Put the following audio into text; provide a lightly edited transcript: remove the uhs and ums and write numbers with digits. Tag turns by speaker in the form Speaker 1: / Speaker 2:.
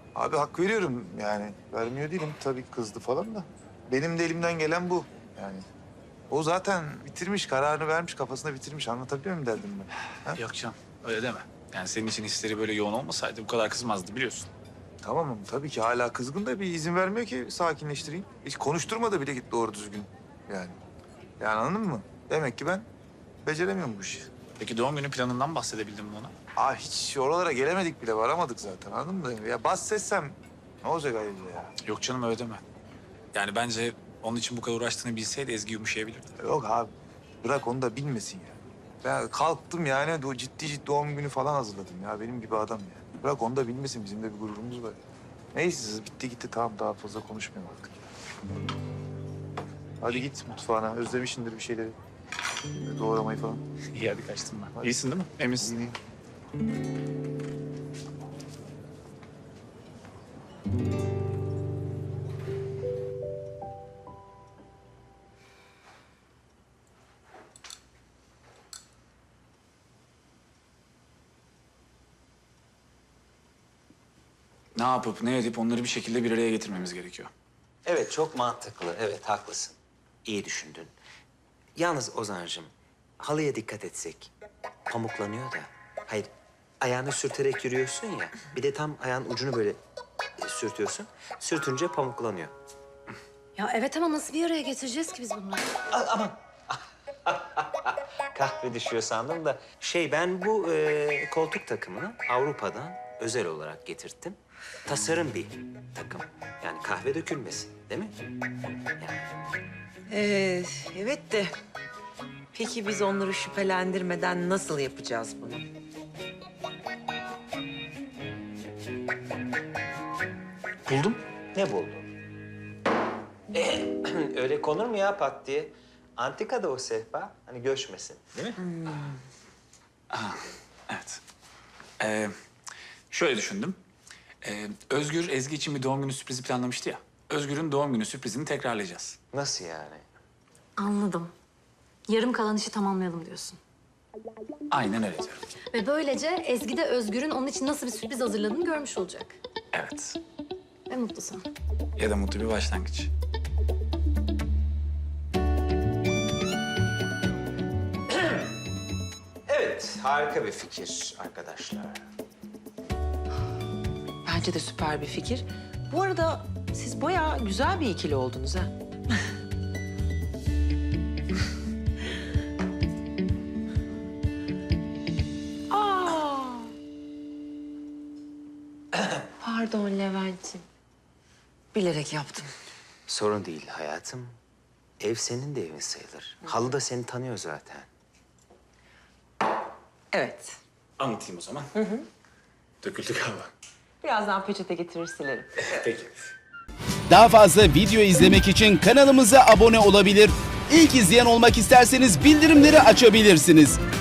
Speaker 1: Abi hak veriyorum yani. Vermiyor değilim tabii, kızdı falan da. Benim de elimden gelen bu yani. O zaten bitirmiş, kararını vermiş, kafasında bitirmiş. Anlatabiliyor muyum derdim ben? Ha?
Speaker 2: Yok canım, öyle deme. Yani senin için hisleri böyle yoğun olmasaydı bu kadar kızmazdı biliyorsun.
Speaker 1: Tamam, tabii ki hala kızgın da bir izin vermiyor ki sakinleştireyim. Hiç konuşturmadı bile git doğru düzgün yani. Yani anladın mı? Demek ki ben beceremiyorum bu işi.
Speaker 2: Peki doğum günü planından bahsedebildin mi ona?
Speaker 1: Hiç oralara gelemedik bile, varamadık zaten, anladın mı? Ya bahsetsem ne olacak ayrıca ya?
Speaker 2: Yok canım, öyle deme. Yani bence onun için bu kadar uğraştığını bilseydi Ezgi yumuşayabilirdi.
Speaker 1: Yok abi, bırak onu da bilmesin ya. Ben kalktım yani ciddi doğum günü falan hazırladım ya, benim gibi adam ya. Bırak onu da bilmesin, bizim de bir gururumuz var. Neyse bitti gitti, tamam, daha fazla konuşmayalım artık. Hadi git mutfağına, özlemişsindir bir şeyleri. Doğramayı falan.
Speaker 2: İyi, hadi kaçtım ben.
Speaker 1: Hadi.
Speaker 2: İyisin değil mi? Eminsin.
Speaker 1: İyiyim.
Speaker 2: Ne yapıp ne edip onları bir şekilde bir araya getirmemiz gerekiyor.
Speaker 3: Evet, çok mantıklı. Evet, haklısın. İyi düşündün. Yalnız Ozan'cığım, halıya dikkat etsek. Pamuklanıyor da. Hayır, ayağını sürterek yürüyorsun ya. Bir de tam ayağın ucunu böyle sürtüyorsun. Sürtünce pamuklanıyor.
Speaker 4: Ya evet ama nasıl bir araya getireceğiz ki biz bunları?
Speaker 3: Aman! Kahve düşüyor sandım da. Ben bu koltuk takımını Avrupa'dan özel olarak getirttim. Tasarım bir takım. Yani kahve dökülmesin, değil mi? Yani.
Speaker 5: Evet de peki biz onları şüphelendirmeden nasıl yapacağız bunu?
Speaker 2: Buldum.
Speaker 3: Ne buldun? Öyle konur mu ya pat diye? Antikada o sehpa. Hani göçmesin, değil mi?
Speaker 2: Evet. Şöyle düşündüm. Özgür, Ezgi için bir doğum günü sürprizi planlamıştı ya. Özgür'ün doğum günü sürprizini tekrarlayacağız.
Speaker 3: Nasıl yani?
Speaker 4: Anladım. Yarım kalan işi tamamlayalım diyorsun.
Speaker 2: Aynen öyle diyorum.
Speaker 4: Ve böylece Ezgi de Özgür'ün onun için nasıl bir sürpriz hazırladığını görmüş olacak.
Speaker 2: Evet.
Speaker 4: Ve mutlu son.
Speaker 2: Ya da mutlu bir başlangıç.
Speaker 3: Evet, harika bir fikir arkadaşlar.
Speaker 5: Bence de süper bir fikir. Bu arada siz bayağı güzel bir ikili oldunuz ha. Aa! Pardon Levent'ciğim. Bilerek yaptım.
Speaker 3: Sorun değil hayatım. Ev senin de evin sayılır. Halı da seni tanıyor zaten.
Speaker 5: Evet.
Speaker 2: Anlatayım o zaman. Döküldü galiba.
Speaker 5: Birazdan peçete getirir silerim.
Speaker 2: Peki.
Speaker 6: Daha fazla video izlemek için kanalımıza abone olabilir. İlk izleyen olmak isterseniz bildirimleri açabilirsiniz.